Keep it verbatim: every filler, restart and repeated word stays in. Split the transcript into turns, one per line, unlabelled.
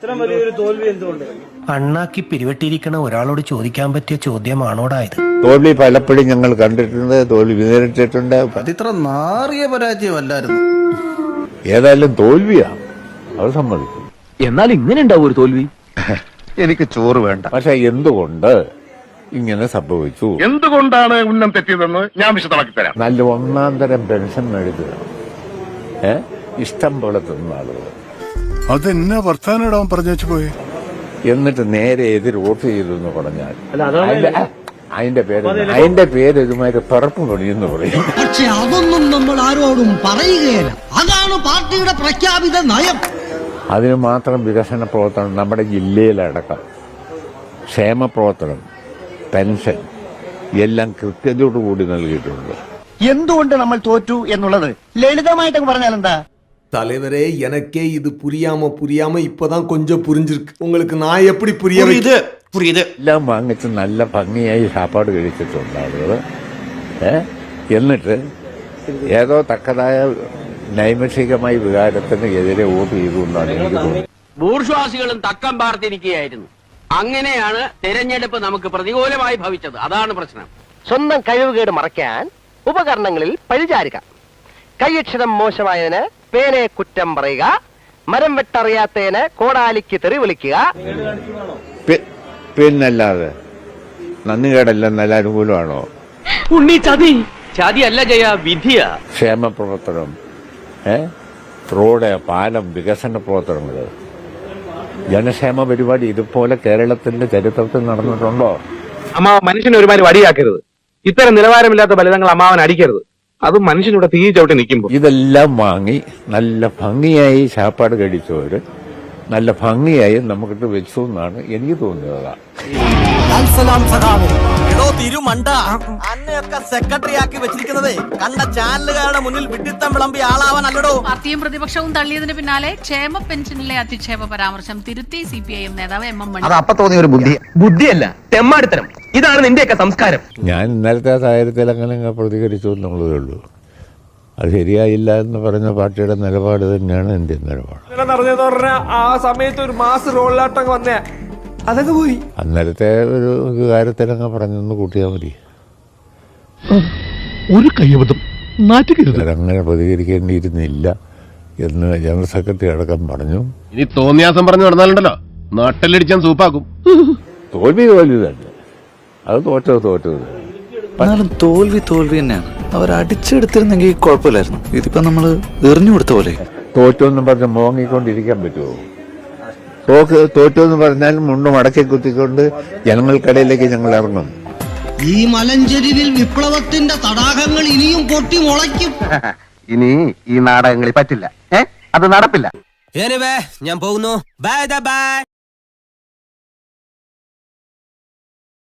അണ്ണാക്കി പിരിവെട്ടിയിരിക്കണ ഒരാളോട് ചോദിക്കാൻ പറ്റിയ ചോദ്യമാണോടായത്?
തോൽവി പലപ്പോഴും ഞങ്ങൾ കണ്ടിട്ടുണ്ട്, തോൽവി നേരിട്ടിട്ടുണ്ട്.
അതിത്ര നാറിയ പരാജയമല്ലായിരുന്നു.
ഏതായാലും തോൽവിയാ, അത് സമ്മതിക്കും.
എന്നാൽ ഇങ്ങനെ ഉണ്ടാവും ഒരു തോൽവി.
എനിക്ക് ചോറ് വേണ്ട.
പക്ഷെ എന്തുകൊണ്ട് ഇങ്ങനെ സംഭവിച്ചു,
എന്തുകൊണ്ടാണ് ഉന്നം തെറ്റിയതെന്ന് ഞാൻ വിശദമാക്കി തരാം.
നല്ല ഒന്നാം തരം പെൻഷൻ മേടിക്കുക, ഏ ഇഷ്ടം പോലെ തിന്ന ആളുകൾ.
അതെന്നാ വർത്താനം പറഞ്ഞു വെച്ചു പോയി.
എന്നിട്ട് നേരെ എതിർ വോട്ട് ചെയ്തു എന്ന് പറഞ്ഞാൽ അതിന്റെ പേര് അതിന്റെ പേര് ഇതുമാതിരി പിറപ്പ് പണിയെന്ന് പറയും.
പക്ഷെ അതൊന്നും നമ്മൾ ആരോടും പറയുകയില്ല. അതാണ് പാർട്ടിയുടെ പ്രഖ്യാപിത നയം.
അതിന് മാത്രം വികസന പ്രവർത്തനം നമ്മുടെ ജില്ലയിലടക്കം, ക്ഷേമ പ്രവർത്തനം, പെൻഷൻ എല്ലാം കൃത്യതയോടുകൂടി നൽകിയിട്ടുണ്ട്.
എന്തുകൊണ്ട് നമ്മൾ തോറ്റു എന്നുള്ളത് ലളിതമായിട്ട് പറഞ്ഞാൽ എന്താ?
தலைவரே, எனக்கே இது புரியாம புரியாம இப்பதான் கொஞ்சம் புரிஞ்சிருக்கு. உங்களுக்கு நான் எப்படி புரிய புரியுது
എല്ലാം വാങ്ങിച്ച് നല്ല ഭംഗിയായി സാപ്പാട് കഴിച്ചിട്ടുണ്ട് ആളുകൾ. ഏ എന്നിട്ട് ഏതോ തക്കതായ നൈമിഷികമായ വികാരത്തിന് എതിരെ വോട്ട് ചെയ്തുകൊണ്ടാണ് എനിക്ക് തോന്നുന്നത്.
ബൂർഷ്വാസികളും തക്കം പാർത്തിരിക്കുകയായിരുന്നു. അങ്ങനെയാണ് തെരഞ്ഞെടുപ്പ് നമുക്ക് പ്രതികൂലമായി ഭവിച്ചത്. അതാണ് പ്രശ്നം.
സ്വന്തം കഴിവുകേട് മറയ്ക്കാൻ ഉപകരണങ്ങളിൽ പഴിചാരുക. കൈയക്ഷരം മോശമായതിന് പേനയെ കുറ്റം പറയുക. മരം വെട്ടറിയാത്തതിന് കോടാലിക്ക് തെറി വിളിക്കുക.
പിന്നല്ലാതെ നന്ദികേടല്ല, നല്ല അനുകൂലമാണോ?
ഉണ്ണി ചതി ചതിയല്ല ജയ, വിധിയാ.
ക്ഷേമ പ്രവർത്തനം, ഏ റോഡ്, പാലം, വികസന പ്രവർത്തനങ്ങൾ, ജനക്ഷേമ പരിപാടി ഇതുപോലെ കേരളത്തിന്റെ ചരിത്രത്തിൽ നടന്നിട്ടുണ്ടോ?
അമ്മാവൻ മനുഷ്യനെ ഒരുമാതിരി വടിയാക്കരുത്. ഇത്തരം നിലവാരമില്ലാത്ത ഫലിതങ്ങൾ അമ്മാവൻ അടിക്കരുത്. അത് മനുഷ്യനിവിടെ തീ ചവിട്ടി നിൽക്കുമ്പോൾ
ഇതെല്ലാം വാങ്ങി നല്ല ഭംഗിയായി ചാപ്പാട് കഴിച്ചവര് നല്ല ഭംഗിയായി നമുക്കിട്ട് വെച്ചു എന്നാണ് എനിക്ക് തോന്നുന്നത്.
അന്നയൊക്കെ സെക്രട്ടറി ആക്കി വെച്ചിരിക്കുന്നത് കണ്ട ചാനലുകാരുടെ മുന്നിൽ വിഡിത്തം വിളമ്പി ആളാവാനല്ലോ.
പാർട്ടിയും പ്രതിപക്ഷവും തള്ളിയതിന് പിന്നാലെ ക്ഷേമ പെൻഷനിലെ അധിക്ഷേപ പരാമർശം തിരുത്തി സി പി ഐ എം നേതാവ് എം എം മണി.
അത് അപ്പൊ തോന്നിയ ഒരു ബുദ്ധി
ബുദ്ധിയല്ല, തെമ്മാടിത്തരം. ഇതാണ് നിന്റെയൊക്കെ സംസ്കാരം.
ഞാൻ ഇന്നലത്തെ സാഹചര്യത്തിൽ അങ്ങനെ പ്രതികരിച്ചു എന്നുള്ളതേ ഉള്ളൂ. അത് ശരിയായില്ല എന്ന് പറഞ്ഞ പാർട്ടിയുടെ നിലപാട് തന്നെയാണ് എന്റെ നിലപാട്.
ആ സമയത്ത് ഒരു മാസ് റോളിലാട്ടം വന്നേ, അതൊക്കെ പോയി.
അന്നേരത്തെ ഒരു കാര്യത്തിലങ്ങ് പറഞ്ഞൊന്ന് കൂട്ടിയാൽ മതി.
ഒരു കയ്യബദ്ധം നാറ്റുകരുത്.
അങ്ങനെ പ്രതികരിക്കേണ്ടിയിരുന്നില്ല എന്ന് ജനറൽ സെക്രട്ടറി അടക്കം പറഞ്ഞു.
ഇനി തോന്നിയാസം പറഞ്ഞു നടന്നാലുണ്ടല്ലോ നാട്ടിലടിച്ചാൻ സൂപ്പാക്കും.
തോൽവി തോൽവി തന്നെ, അത് തോറ്റത് തോറ്റത്.
എന്നാലും തോൽവി തോൽവി തന്നെയാണ്. അവർ അടിച്ചെടുത്തിരുന്നെങ്കിൽ കുഴപ്പമില്ലായിരുന്നു. ഇതിപ്പോ നമ്മള് എറിഞ്ഞു കൊടുത്ത പോലെ.
തോറ്റെന്ന് പറഞ്ഞ് മോങ്ങിക്കൊണ്ടിരിക്കാൻ പറ്റുമോ? തോക്ക് തോറ്റെന്ന് പറഞ്ഞാൽ മുണ്ട് മടക്കി കുത്തിക്കൊണ്ട് ജനങ്ങൾക്കിടയിലേക്ക് ഞങ്ങൾ ഇറങ്ങും.
ഈ മലഞ്ചെരിവിൽ വിപ്ലവത്തിന്റെ തടാകങ്ങൾ ഇനിയും പൊട്ടി മുളയ്ക്കും.
ഇനി ഈ നാടകങ്ങളിൽ പറ്റില്ല. ഏ അത് നടപ്പില്ല.
ഞാൻ പോകുന്നു. Bye by.